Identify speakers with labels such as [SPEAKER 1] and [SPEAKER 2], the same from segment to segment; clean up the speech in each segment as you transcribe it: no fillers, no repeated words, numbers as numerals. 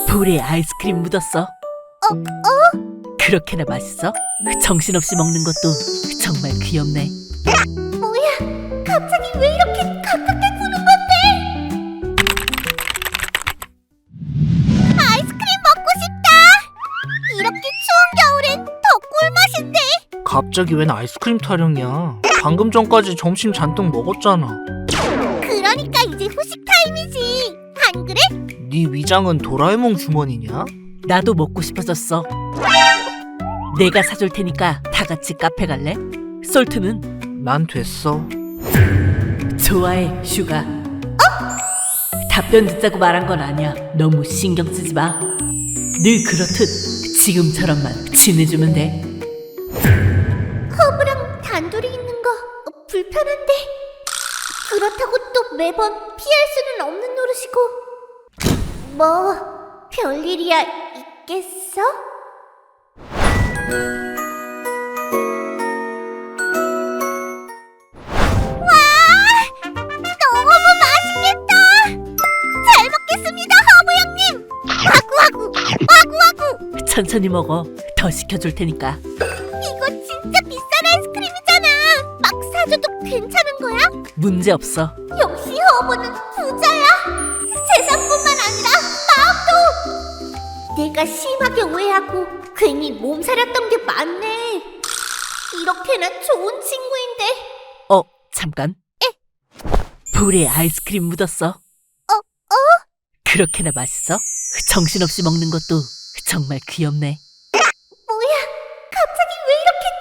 [SPEAKER 1] 볼에 아이스크림 묻었어. 그렇게나 맛있어? 정신없이 먹는 것도 정말 귀엽네.
[SPEAKER 2] 뭐야? 갑자기 왜 이렇게 가깝게 구는 건데? 아이스크림 먹고 싶다. 이렇게 추운 겨울엔 더 꿀맛인데.
[SPEAKER 3] 갑자기 웬 아이스크림 타령이야? 방금 전까지 점심 잔뜩 먹었잖아.
[SPEAKER 2] 그러니까 이제 후식 타임이지. 안 그래?
[SPEAKER 3] 네 위장은 도라에몽 주머니냐?
[SPEAKER 1] 나도 먹고 싶어졌어. 내가 사줄 테니까 다 같이 카페 갈래? 솔트는?
[SPEAKER 3] 난 됐어.
[SPEAKER 1] 좋아해, 슈가. 답변 듣자고 말한 건 아니야. 너무 신경 쓰지 마. 늘 그렇듯 지금처럼만 지내주면 돼.
[SPEAKER 2] 허브랑 단둘이 있는 거 불편한데. 그렇다고 또 매번 피할 수는 없는 노릇이고. 뭐 별일이야 있겠어? 와! 너무 맛있겠다! 잘 먹겠습니다, 허브 형님! 와구와구! 와구와구!
[SPEAKER 1] 천천히 먹어. 더 시켜줄 테니까.
[SPEAKER 2] 이거 진짜 비싼 아이스크림이잖아! 막 사줘도 괜찮은 거야?
[SPEAKER 1] 문제 없어.
[SPEAKER 2] 역시 허브는 부자야! 재산뿐만 아니라 마음도! 내가 심하게 오해하고 괜히 몸살았던 게 많네. 이렇게나 좋은 친구인데.
[SPEAKER 1] 잠깐. 볼에 아이스크림 묻었어. 그렇게나 맛있어? 정신없이 먹는 것도 정말 귀엽네.
[SPEAKER 2] 뭐야? 갑자기 왜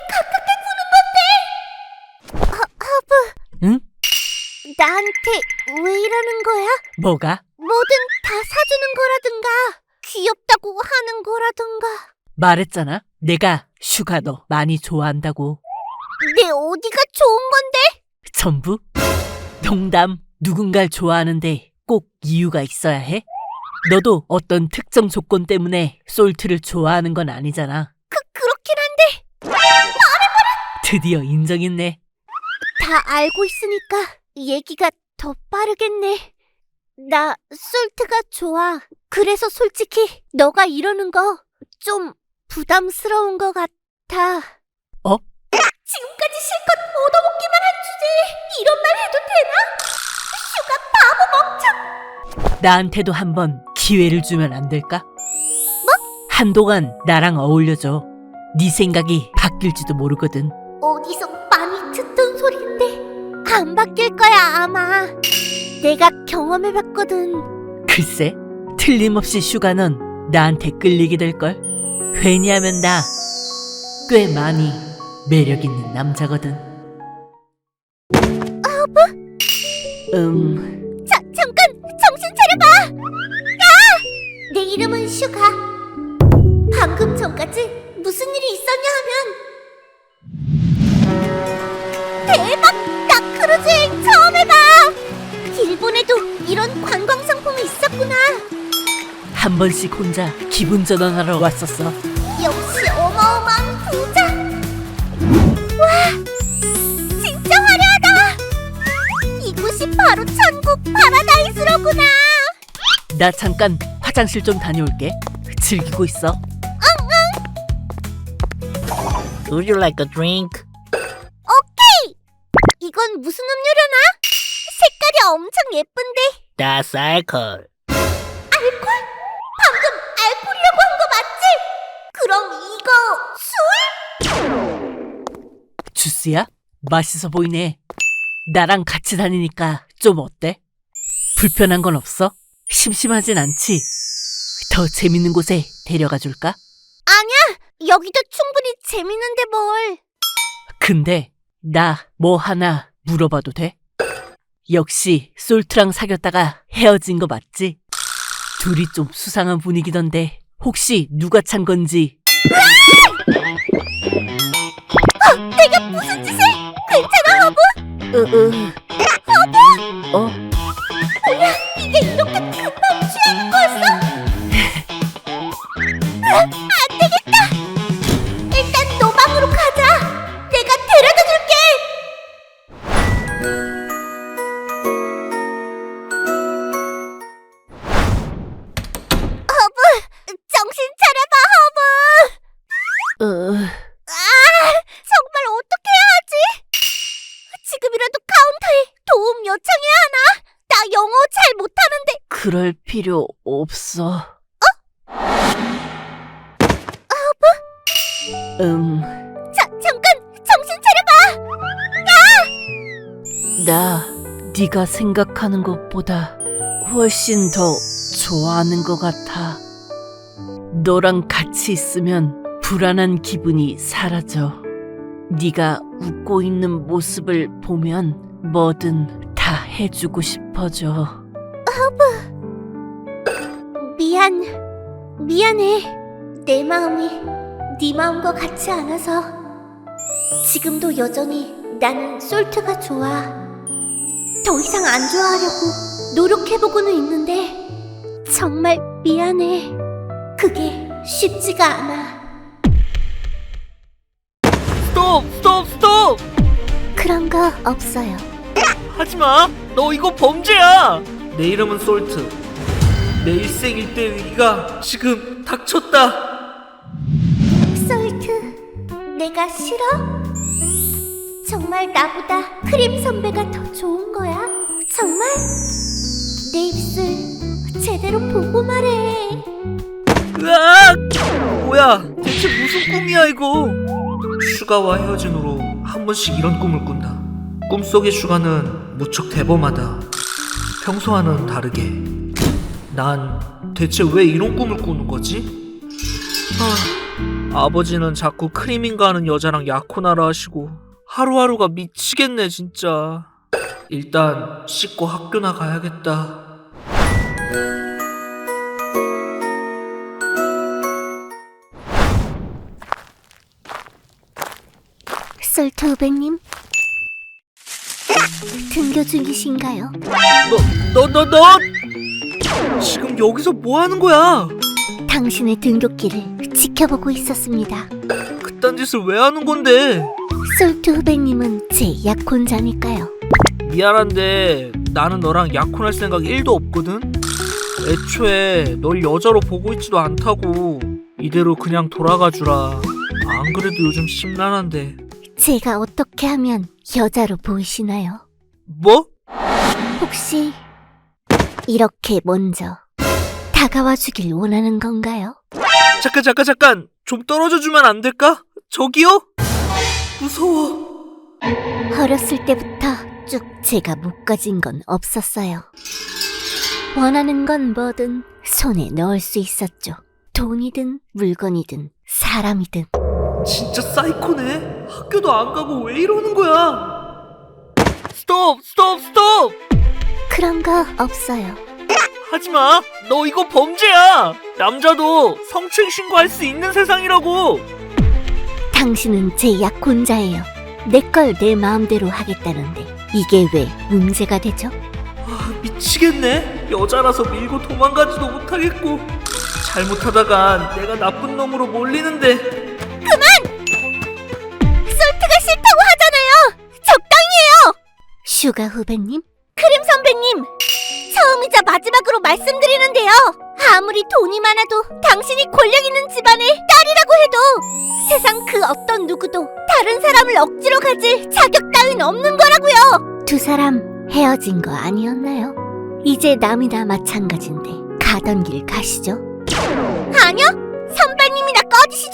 [SPEAKER 2] 이렇게 가깝게 구는 건데? 허브,
[SPEAKER 1] 응?
[SPEAKER 2] 나한테 왜 이러는 거야?
[SPEAKER 1] 뭐가?
[SPEAKER 2] 뭐든 다 사주는 거라든가 귀엽다고 하는 거라든가.
[SPEAKER 1] 말했잖아. 내가 슈가 너 많이 좋아한다고.
[SPEAKER 2] 내 어디가 좋은 건데?
[SPEAKER 1] 전부? 농담. 누군가를 좋아하는데 꼭 이유가 있어야 해? 너도 어떤 특정 조건 때문에 솔트를 좋아하는 건 아니잖아.
[SPEAKER 2] 그렇긴 한데
[SPEAKER 1] 드디어 인정했네.
[SPEAKER 2] 다 알고 있으니까 얘기가 더 빠르겠네. 나 솔트가 좋아. 그래서 솔직히 너가 이러는 거 좀 부담스러운 것 같아. 지금까지 실컷 얻어먹기만 한 주제에 이런 말 해도 되나? 슈가 바보 멍청.
[SPEAKER 1] 나한테도 한번 기회를 주면 안 될까? 한동안 나랑 어울려줘. 네 생각이 바뀔지도 모르거든.
[SPEAKER 2] 어디서 많이 듣던 소리인데 안 바뀔 거야 아마. 내가 경험해봤거든.
[SPEAKER 1] 글쎄, 틀림없이 슈가는 나한테 끌리게 될걸. 왜냐하면 나 꽤 많이 매력 있는 남자거든.
[SPEAKER 2] 잠깐 정신 차려봐. 야! 내 이름은 슈가. 방금 전까지 무슨 일이 있었냐 하면 대박! 나 크루즈 여행 처음 해봐. 일본에도 이런 관광 상품이 있었구나.
[SPEAKER 1] 한 번씩 혼자 기분 전환하러 왔었어.
[SPEAKER 2] 역시 어마어마한 부자. 와, 진짜 화려하다. 이곳이 바로 천국 파라다이스로구나.
[SPEAKER 1] 나 잠깐 화장실 좀 다녀올게. 즐기고 있어.
[SPEAKER 3] Would you like a drink?
[SPEAKER 2] 오케이. 이건 무슨 음료려나? 색깔이 엄청 예쁜데.
[SPEAKER 3] That's alcohol.
[SPEAKER 2] 알콜? 방금 알콜이라고 한 거 맞지? 그럼 이거 술?
[SPEAKER 1] 주스야? 맛있어 보이네. 나랑 같이 다니니까 좀 어때? 불편한 건 없어? 심심하진 않지? 더 재밌는 곳에 데려가 줄까?
[SPEAKER 2] 아니야. 여기도 충분히 재밌는데 뭘.
[SPEAKER 1] 근데 나 뭐 하나 물어봐도 돼? 역시 솔트랑 사귀었다가 헤어진 거 맞지? 둘이 좀 수상한 분위기던데 혹시 누가 찬 건지.
[SPEAKER 2] 내가 무슨 짓을? 괜찮아 허브? 뭐야 이게 이렇게 금방 취하는 거였어? 안 되겠다. 일단 너 방으로 가자. 내가 데려다 줄게. 허브
[SPEAKER 1] 그럴 필요 없어.
[SPEAKER 2] 잠깐 정신 차려봐.
[SPEAKER 1] 나 네가 생각하는 것보다 훨씬 더 좋아하는 것 같아. 너랑 같이 있으면 불안한 기분이 사라져. 네가 웃고 있는 모습을 보면 뭐든 다 해주고 싶어져.
[SPEAKER 2] 미안해. 내 마음이 네 마음과 같지 않아서. 지금도 여전히 나는 솔트가 좋아. 더 이상 안 좋아하려고 노력해보고는 있는데 정말 미안해. 그게 쉽지가 않아.
[SPEAKER 3] 스톱!
[SPEAKER 2] 그런 거 없어요.
[SPEAKER 3] 하지마! 너 이거 범죄야! 내 이름은 솔트. 내 일생일대 위기가 지금 닥쳤다.
[SPEAKER 2] 솔트, 내가 싫어? 정말 나보다 크림 선배가 더 좋은 거야? 정말? 내 입술 제대로 보고 말해.
[SPEAKER 3] 으악! 뭐야, 대체 무슨 꿈이야 이거? 슈가와 헤어진 후로 한 번씩 이런 꿈을 꾼다. 꿈속의 슈가는 무척 대범하다. 평소와는 다르게. 난 대체 왜 이런 꿈을 꾸는 거지? 아버지는 자꾸 크림인가 하는 여자랑 약혼하라 하시고 하루하루가 미치겠네 진짜. 일단 씻고 학교나 가야겠다.
[SPEAKER 2] 솔트 후배님, 등교 중이신가요?
[SPEAKER 3] 너 지금 여기서 뭐 하는 거야?
[SPEAKER 2] 당신의 등교길을 지켜보고 있었습니다.
[SPEAKER 3] 그딴 짓을 왜 하는 건데?
[SPEAKER 2] 솔트 후배님은 제 약혼자니까요.
[SPEAKER 3] 미안한데 나는 너랑 약혼할 생각 1도 없거든? 애초에 널 여자로 보고 있지도 않다고. 이대로 그냥 돌아가 주라. 안 그래도 요즘 심란한데.
[SPEAKER 2] 제가 어떻게 하면 여자로 보이시나요?
[SPEAKER 3] 뭐?
[SPEAKER 2] 혹시 이렇게 먼저 다가와 주길 원하는 건가요?
[SPEAKER 3] 잠깐 좀 떨어져 주면 안 될까? 저기요? 무서워.
[SPEAKER 2] 어렸을 때부터 쭉 제가 못 가진 건 없었어요. 원하는 건 뭐든 손에 넣을 수 있었죠. 돈이든 물건이든 사람이든.
[SPEAKER 3] 진짜 사이코네. 학교도 안 가고 왜 이러는 거야? 스톱!
[SPEAKER 2] 그런 거 없어요.
[SPEAKER 3] 하지마. 너 이거 범죄야. 남자도 성추행 신고할 수 있는 세상이라고.
[SPEAKER 2] 당신은 제 약혼자예요. 내 걸 내 마음대로 하겠다는데 이게 왜 문제가 되죠?
[SPEAKER 3] 미치겠네. 여자라서 밀고 도망가지도 못하겠고 잘못하다가 내가 나쁜 놈으로 몰리는데.
[SPEAKER 2] 솔트가 싫다고 하잖아요. 적당히 해요. 슈가 후배님, 크림 선배님, 처음이자 마지막으로 말씀드리는데요. 아무리 돈이 많아도 당신이 권력 있는 집안의 딸이라고 해도 세상 그 어떤 누구도 다른 사람을 억지로 가질 자격 따윈 없는 거라고요. 두 사람 헤어진 거 아니었나요? 이제 남이나 마찬가지인데 가던 길 가시죠. 아니요, 선배님이나 꺼지시죠.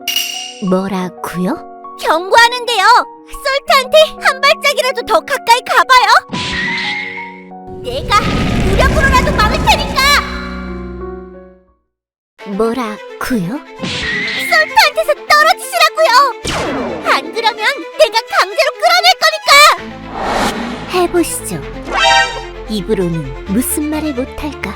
[SPEAKER 2] 뭐라고요? 경고하는데요. 솔트한테 한 발짝이라도 더 가까이 가봐요. 내가 무력으로라도 막을 테니까. 뭐라고요? 솔트한테서 떨어지시라고요. 안 그러면 내가 강제로 끌어낼 거니까. 해보시죠. 입으로는 무슨 말을 못할까.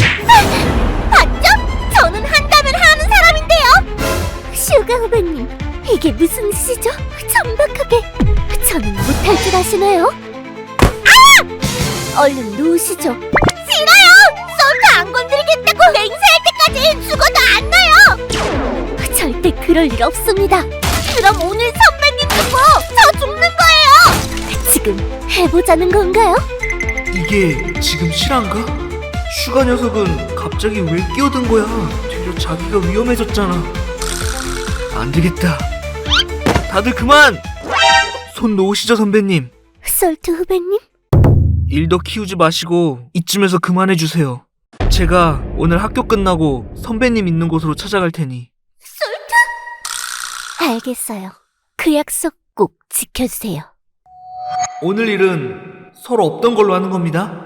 [SPEAKER 2] 봤죠? 저는 한다면 하는 사람인데요. 슈가 후배님, 이게 무슨 짓이죠? 천박하게. 저는 못할 줄 아시나요? 얼른 놓으시죠. 싫어요! 솔트 안 건드리겠다고 맹세할 때까지 죽어도 안 놔요! 절대 그럴 일 없습니다. 그럼 오늘 선배님 죽고 저 죽는 거예요! 지금 해보자는 건가요?
[SPEAKER 3] 이게 지금 실화인가? 슈가 녀석은 갑자기 왜 끼어든 거야? 되려 자기가 위험해졌잖아. 안 되겠다. 다들 그만! 손 놓으시죠 선배님.
[SPEAKER 2] 솔트 후배님?
[SPEAKER 3] 일 더 키우지 마시고 이쯤에서 그만해주세요. 제가 오늘 학교 끝나고 선배님 있는 곳으로 찾아갈 테니.
[SPEAKER 2] 알겠어요. 그 약속 꼭 지켜주세요.
[SPEAKER 3] 오늘 일은 서로 없던 걸로 하는 겁니다.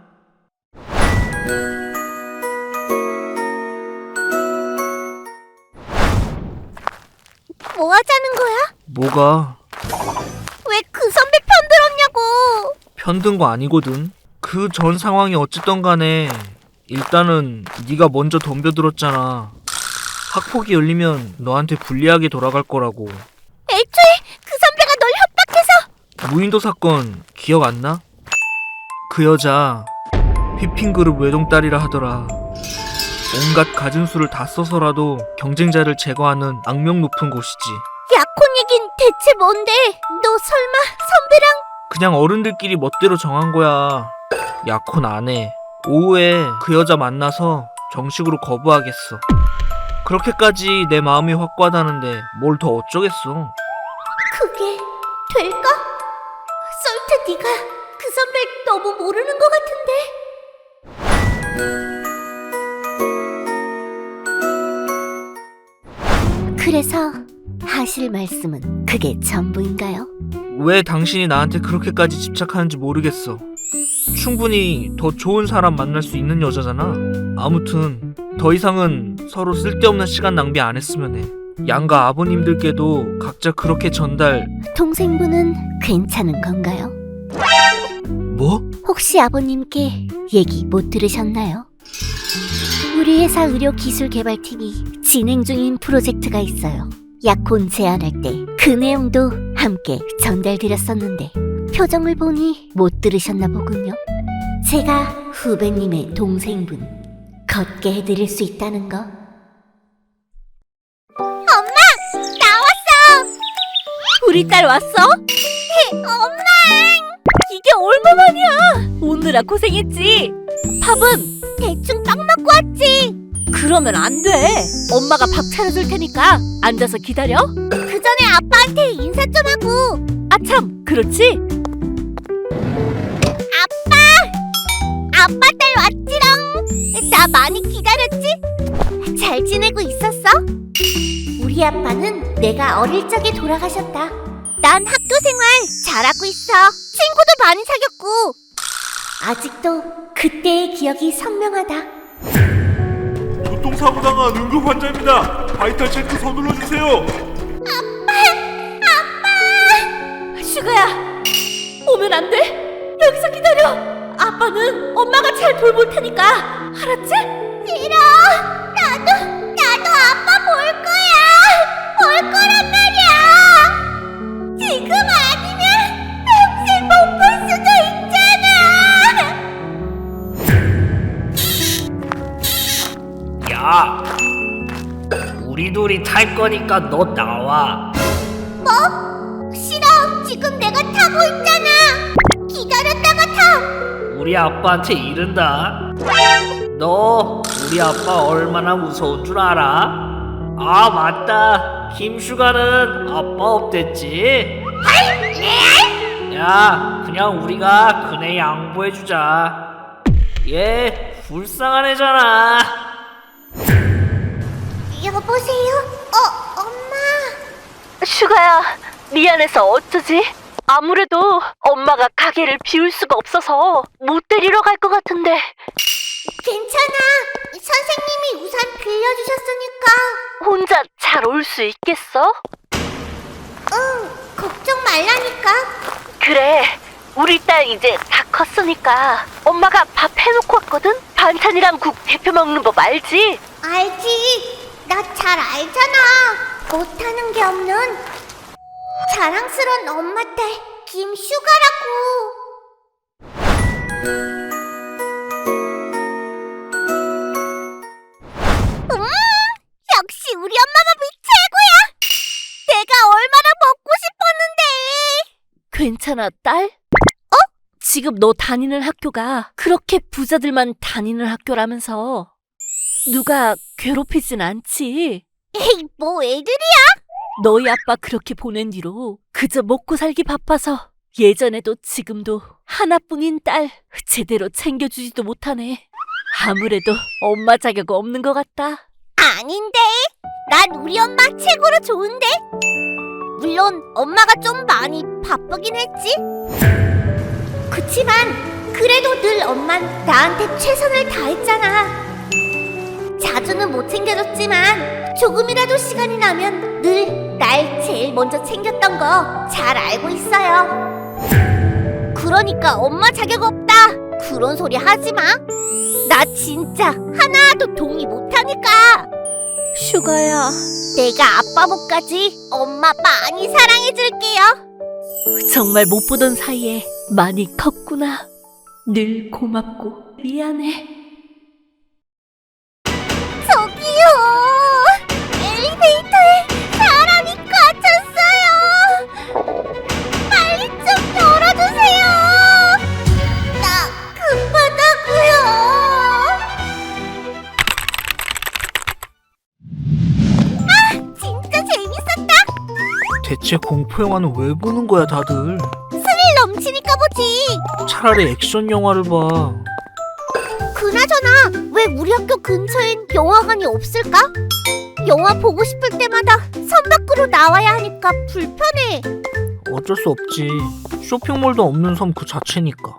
[SPEAKER 2] 뭐 하자는 거야?
[SPEAKER 3] 뭐가?
[SPEAKER 2] 왜 그 선배 편들었냐고!
[SPEAKER 3] 편든 거 아니거든. 그 전 상황이 어쨌든 간에 일단은 네가 먼저 덤벼들었잖아. 학폭이 열리면 너한테 불리하게 돌아갈 거라고.
[SPEAKER 2] 애초에 그 선배가 널 협박해서!
[SPEAKER 3] 무인도 사건 기억 안 나? 그 여자 휘핑그룹 외동딸이라 하더라. 온갖 가진 수를 다 써서라도 경쟁자를 제거하는 악명 높은 곳이지.
[SPEAKER 2] 약혼 얘긴 대체 뭔데? 너 설마 선배랑?
[SPEAKER 3] 그냥 어른들끼리 멋대로 정한 거야. 약혼 안 해. 오후에 그 여자 만나서 정식으로 거부하겠어. 그렇게까지 내 마음이 확고하다는데 뭘 더 어쩌겠어.
[SPEAKER 2] 그게 될까? 솔트 네가 그 선배 너무 모르는 것 같은데. 그래서 하실 말씀은 그게 전부인가요?
[SPEAKER 3] 왜 당신이 나한테 그렇게까지 집착하는지 모르겠어. 충분히 더 좋은 사람 만날 수 있는 여자잖아. 아무튼 더 이상은 서로 쓸데없는 시간 낭비 안 했으면 해. 양가 아버님들께도 각자 그렇게 전달.
[SPEAKER 2] 동생분은 괜찮은 건가요?
[SPEAKER 3] 뭐?
[SPEAKER 2] 혹시 아버님께 얘기 못 들으셨나요? 우리 회사 의료기술개발팀이 진행 중인 프로젝트가 있어요. 약혼 제안할 때 그 내용도 함께 전달드렸었는데 표정을 보니 못 들으셨나 보군요. 제가 후배님의 동생분 걷게 해드릴 수 있다는 거. 엄마! 나왔어!
[SPEAKER 1] 우리 딸 왔어?
[SPEAKER 2] 엄마!
[SPEAKER 1] 이게 얼마만이야? 오느라 고생했지. 밥은?
[SPEAKER 2] 대충 떡 먹고 왔지.
[SPEAKER 1] 그러면 안 돼. 엄마가 밥 차려줄 테니까 앉아서 기다려.
[SPEAKER 2] 그 전에 아빠한테 인사 좀 하고.
[SPEAKER 1] 아참, 그렇지?
[SPEAKER 2] 아빠 딸 왔지롱. 나 많이 기다렸지? 잘 지내고 있었어? 우리 아빠는 내가 어릴 적에 돌아가셨다. 난 학교 생활 잘하고 있어. 친구도 많이 사귀었고. 아직도 그때의 기억이 선명하다.
[SPEAKER 4] 교통사고 당한 응급 환자입니다. 바이탈 체크 서둘러 주세요.
[SPEAKER 1] 슈가야, 오면 안 돼. 여기서 기다려. 아빠는 엄마가 잘 돌볼 테니까. 알았지?
[SPEAKER 2] 싫어. 나도 아빠 볼 거야. 볼 거란 말이야. 지금 아니면 평생 못 볼 수도 있잖아.
[SPEAKER 5] 야, 우리 둘이 탈 거니까 너 나와.
[SPEAKER 2] 싫어. 지금 내가 타고 있잖아. 기다렸다가 타.
[SPEAKER 5] 우리 아빠한테 이른다. 너 우리 아빠 얼마나 무서운 줄 알아? 아, 맞다. 김슈가는 아빠 없댔지? 야, 그냥 우리가 그네 양보해주자. 얘 불쌍한 애잖아.
[SPEAKER 2] 여보세요? 엄마.
[SPEAKER 1] 슈가야, 미안해서 어쩌지? 아무래도 엄마가 가게를 비울 수가 없어서 못 데리러 갈 것 같은데.
[SPEAKER 2] 괜찮아. 선생님이 우산 빌려주셨으니까.
[SPEAKER 1] 혼자 잘 올 수 있겠어?
[SPEAKER 2] 응, 걱정 말라니까.
[SPEAKER 1] 그래, 우리 딸 이제 다 컸으니까 엄마가 밥 해놓고 왔거든? 반찬이랑 국 데펴 먹는 법 알지?
[SPEAKER 2] 알지. 나 잘 알잖아. 못하는 게 없는 자랑스러운 엄마 딸 김슈가라고. 역시 우리 엄마 밥이 최고야. 내가 얼마나 먹고 싶었는데.
[SPEAKER 1] 괜찮아, 딸? 지금 너 다니는 학교가 그렇게 부자들만 다니는 학교라면서 누가 괴롭히진 않지?
[SPEAKER 2] 에이, 뭐 애들이.
[SPEAKER 1] 너희 아빠 그렇게 보낸 뒤로 그저 먹고 살기 바빠서 예전에도 지금도 하나뿐인 딸 제대로 챙겨주지도 못하네. 아무래도 엄마 자격 없는 것 같다.
[SPEAKER 2] 아닌데. 난 우리 엄마 최고로 좋은데. 물론 엄마가 좀 많이 바쁘긴 했지. 그치만 그래도 늘 엄만 나한테 최선을 다했잖아. 자주는 못 챙겨줬지만 조금이라도 시간이 나면 늘 날 제일 먼저 챙겼던 거 잘 알고 있어요. 그러니까 엄마 자격 없다 그런 소리 하지 마. 나 진짜 하나도 동의 못하니까.
[SPEAKER 1] 슈가야.
[SPEAKER 2] 내가 아빠 목까지 엄마 많이 사랑해줄게요.
[SPEAKER 1] 정말 못 보던 사이에 많이 컸구나. 늘 고맙고 미안해.
[SPEAKER 2] 저기요. 엘리베이터에 사람이 갇혔어요. 빨리 좀 열어주세요. 나 급하다고요. 아, 진짜 재밌었다.
[SPEAKER 3] 대체 공포영화는 왜 보는 거야 다들?
[SPEAKER 2] 스릴 넘치니까 보지.
[SPEAKER 3] 차라리 액션 영화를 봐.
[SPEAKER 2] 그나저나 왜 우리 학교 근처엔 영화관이 없을까? 영화 보고 싶을 때마다 선 밖으로 나와야 하니까 불편해.
[SPEAKER 3] 어쩔 수 없지. 쇼핑몰도 없는 섬 그 자체니까.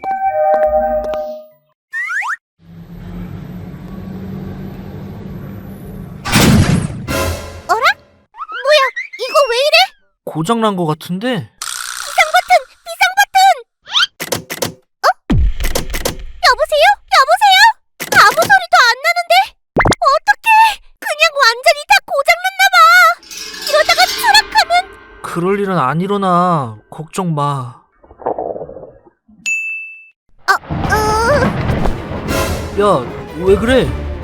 [SPEAKER 2] 어라? 뭐야? 이거 왜 이래?
[SPEAKER 3] 고장난 거 같은데?
[SPEAKER 2] 여보세요? 여보세요? 아무 소리도 안 나는데? 어떡해? 그냥 완전히 다 고장났나 봐. 이러다가 추락하면.
[SPEAKER 3] 그럴 일은 안 일어나. 걱정 마. 야, 왜 그래?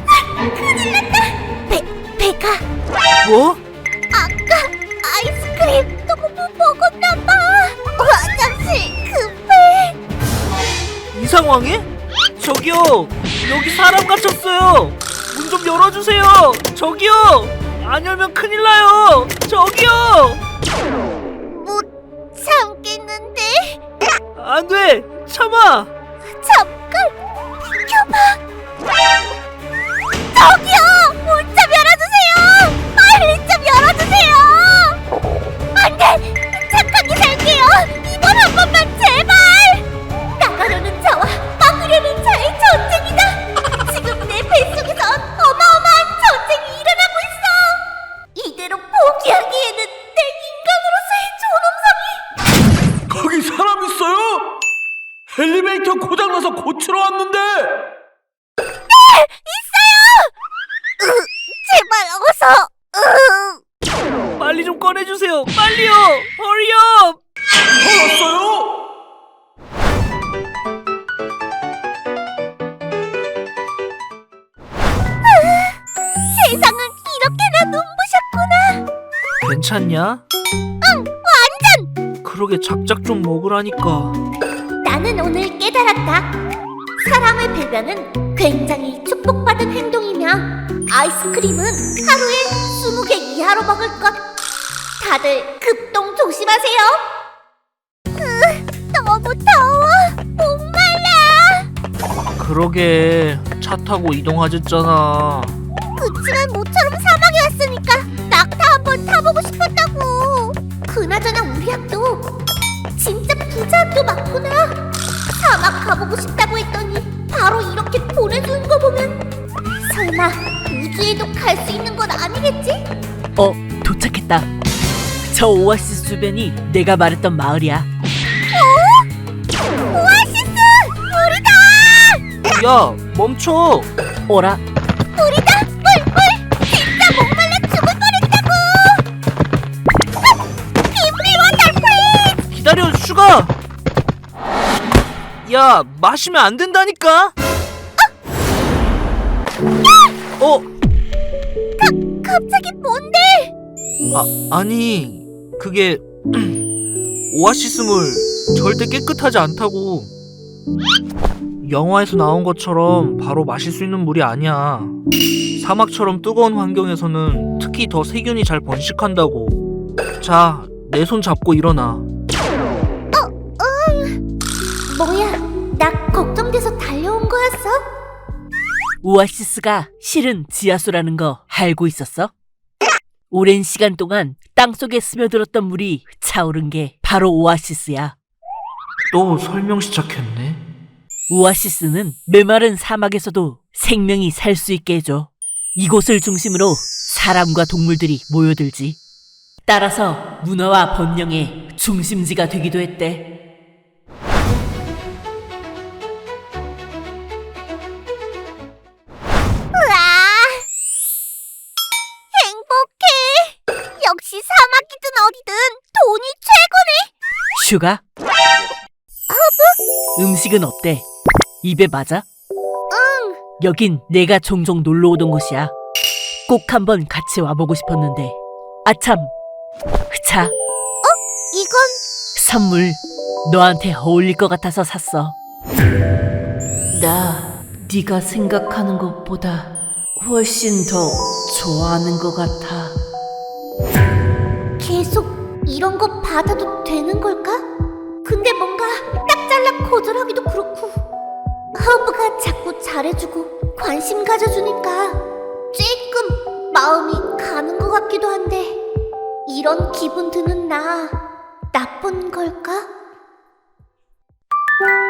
[SPEAKER 2] 배가
[SPEAKER 3] 뭐?
[SPEAKER 2] 아까 아이스크림 너무 먹었나 봐. 화장실 급해.
[SPEAKER 3] 이 상황에? 저기요! 여기 사람 갇혔어요! 문 좀 열어주세요! 저기요! 안 열면 큰일 나요! 저기요!
[SPEAKER 2] 못 참겠는데.
[SPEAKER 3] 안 돼! 참아!
[SPEAKER 2] 잠깐 비켜봐. 저기요! 문 좀 열어주세요! 빨리 좀 열어주세요! 안 돼! 착하게 살게요! 이번 한 번만 제발! 나가려는 자와 막으려는 자의 전쟁이다! 지금 내 뱃속에선 어마어마한 전쟁이 일어나고 있어! 이대로 포기하기에는 내 인간으로서의 존엄성이.
[SPEAKER 4] 거기 사람 있어요? 엘리베이터 고장나서 고치러 왔는데.
[SPEAKER 2] 제발 어서.
[SPEAKER 3] 빨리 좀 꺼내주세요! 빨리요! 허리업!
[SPEAKER 4] 알았어요?
[SPEAKER 2] 세상은 이렇게나 눈부셨구나.
[SPEAKER 3] 괜찮냐?
[SPEAKER 2] 완전.
[SPEAKER 3] 그러게 작작 좀 먹으라니까.
[SPEAKER 2] 나는 오늘 깨달았다. 사람의 배변은 굉장히 축복받은 행동이며 아이스크림은 하루에 20개 이하로 먹을 것. 다들 급동 조심하세요. 너무 더워. 목말라.
[SPEAKER 3] 그러게 차 타고 이동하셨잖아.
[SPEAKER 2] 그치만 모처럼 사막에 왔으니까 낙타 한번 타보고 싶었다고. 그나저나 우리 학도 진짜 부자 학도 맞구나. 사막 가보고 싶다고 했더니 바로 이렇게 보내주는 거 보면 설마 우주에도 갈 수 있는 건 아니겠지?
[SPEAKER 1] 도착했다. 저 오아시스 주변이 내가 말했던 마을이야.
[SPEAKER 2] 오아시스! 우리다!
[SPEAKER 3] 야, 멈춰!
[SPEAKER 1] 어라?
[SPEAKER 2] 우리다! 꿀꿀! 진짜 목말라 죽을 뻔했다고! 빔비 워터 플리즈!
[SPEAKER 3] 기다려, 슈가! 야, 마시면 안 된다니까?
[SPEAKER 2] 갑자기 뭔데?
[SPEAKER 3] 아니, 그게 오아시스물 절대 깨끗하지 않다고. 영화에서 나온 것처럼 바로 마실 수 있는 물이 아니야. 사막처럼 뜨거운 환경에서는 특히 더 세균이 잘 번식한다고. 자, 내 손 잡고 일어나.
[SPEAKER 2] 뭐야, 나 걱정돼서 달려온 거였어?
[SPEAKER 1] 오아시스가 실은 지하수라는 거 알고 있었어? 오랜 시간 동안 땅속에 스며들었던 물이 차오른 게 바로 오아시스야.
[SPEAKER 3] 또 설명 시작했네.
[SPEAKER 1] 오아시스는 메마른 사막에서도 생명이 살 수 있게 해줘. 이곳을 중심으로 사람과 동물들이 모여들지. 따라서 문화와 번영의 중심지가 되기도 했대.
[SPEAKER 2] 우와! 행복해! 역시 사막이든 어디든 돈이 최고네!
[SPEAKER 1] 슈가? 음식은 어때? 입에 맞아?
[SPEAKER 2] 응!
[SPEAKER 1] 여긴 내가 종종 놀러 오던 곳이야. 꼭 한번 같이 와보고 싶었는데. 아참! 자,
[SPEAKER 2] 이건
[SPEAKER 1] 선물. 너한테 어울릴 것 같아서 샀어. 나 네가 생각하는 것보다 훨씬 더 좋아하는 것 같아.
[SPEAKER 2] 계속 이런 거 받아도 되는 걸까? 근데 뭔가 딱 잘라 거절하기도 그렇고 허브가 자꾸 잘해주고 관심 가져주니까 조금 마음이 가는 것 같기도 한데 이런 기분 드는 나 나쁜 걸까?